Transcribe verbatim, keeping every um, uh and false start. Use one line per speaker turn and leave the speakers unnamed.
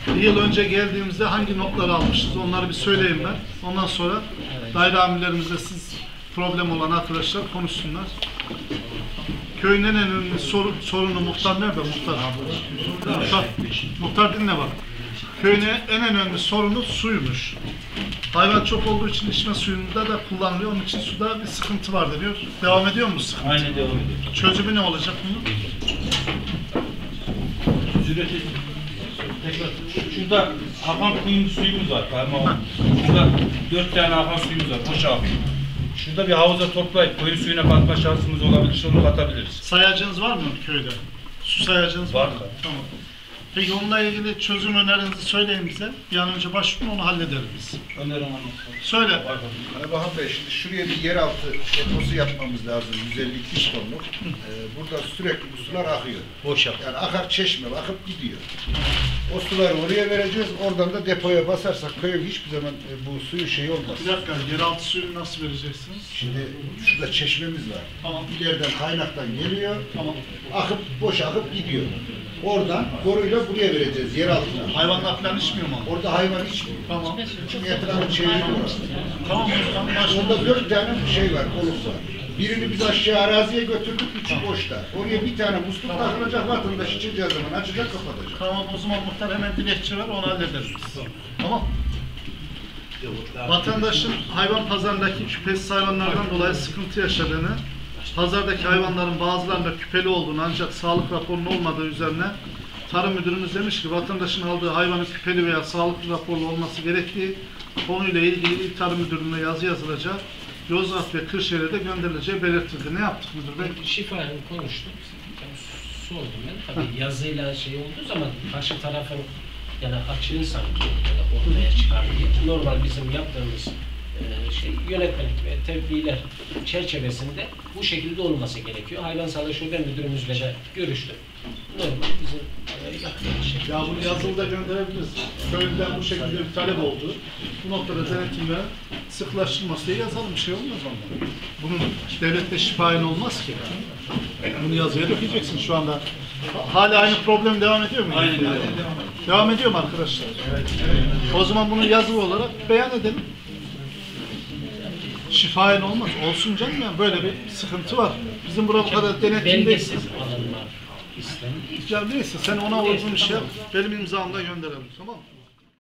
Bir yıl önce geldiğimizde hangi notları almışız onları bir söyleyeyim ben. Ondan sonra daire amirlerimizle siz problem olan arkadaşlar konuşsunlar. Köyün en önemli sorun, sorunu muhtar nerede? Muhtar. Muhtar, muhtar dinle bak. Köyün en önemli sorunu suymuş. Hayvan çok olduğu için içme suyunda da kullanılıyor. Onun için suda bir sıkıntı var diyor. Devam ediyor mu sıkıntı?
Aynen devam ediyor.
Çözümü ne olacak bunun?
Ücreti tekrar. Şurada akan kuyumcu suyumuz var. Parmağım. Şurada dört tane akan suyumuz var. Boş abi. Şurada bir havuza toplayıp koyu suyuna katma şansımız olabilir. Onu katabiliriz.
Sayacınız var mı köyde? Su sayacınız var, var mı? Tamam. Peki onunla ilgili çözüm önerinizi söyleyin bize. Bir an önce başvurun, onu hallederiz biz.
Önerim anlatalım.
Söyle.
Hani Bahan Bey, şimdi şuraya bir yeraltı deposu yapmamız lazım. yüz elli iki yüz tonluk. Ee, burada sürekli bu sular akıyor.
Boş yap.
Yani akar çeşme, akıp gidiyor. O suları oraya vereceğiz. Oradan da depoya basarsak köyün hiçbir zaman e, bu suyu şey olmaz.
Bir dakika, yeraltı suyunu nasıl vereceksiniz?
Şimdi şurada çeşmemiz var.
Tamam.
İleriden kaynaktan geliyor.
Tamam.
Akıp, boş akıp gidiyor. Oradan boruyla buraya vereceğiz, yer altına.
Hayvanlar falan içmiyor mu?
Orada hayvan içmiyor.
Tamam.
Çünkü etrafı çeviriyor.
Tamam. Tamam.
Orada dört tane şey var, koluk var. Birini biz aşağı araziye götürdük, üçü boşta. Oraya bir tane musluk takılacak, vatandaş içeceği zaman açacak, kapatacak.
Tamam, o zaman muhtar hemen dilekçe ver, onu hallederiz biz. Tamam. Vatandaşın hayvan pazarındaki küpesiz hayvanlardan dolayı sıkıntı yaşadığını, pazardaki hayvanların bazılarında küpeli olduğunu ancak sağlık raporunun olmadığı üzerine Tarım Müdürümüz demiş ki vatandaşın aldığı hayvanın küpeli veya sağlıklı raporlu olması gerektiği konuyla ilgili İl Tarım Müdürlüğü'ne yazı yazılacak, Yozgat ve Kırşehir'e de gönderileceği belirtildi. Ne yaptık müdür bey?
Şifayla konuştuk. Sordum ben. Tabii yazıyla şey olduğu zaman karşı tarafın yani açığın sanki ortaya çıkar diye. Normal bizim yaptığımız şey yönetmelik ve tebliğler çerçevesinde bu şekilde olması gerekiyor. Hayvan Sağlığı Şube Müdürümüzle de görüştüm. Normal bizim yaptığımız şey.
Ya bunu yazılı da gönderebiliriz. Köyden bu şekilde bir talep oldu. Bu noktada denetimle sıklaştırması diye yazalım. Bir şey olmaz ondan. Bunun devlette şifayen olmaz ki. Bunu yazıya dökeceksin şu anda. Hala aynı problem devam ediyor mu?
Aynen devam.
Devam ediyor mu arkadaşlar? Evet. O zaman bunu yazılı olarak beyan edelim. Şifayen olmaz. Olsun canım ya. Böyle bir sıkıntı var. Bizim burada bu kadar denetimde...
Belgesiz alanlar istenir.
Ya neyse sen ona uygun bir şey yap. Benim imzamla gönderelim, tamam mı?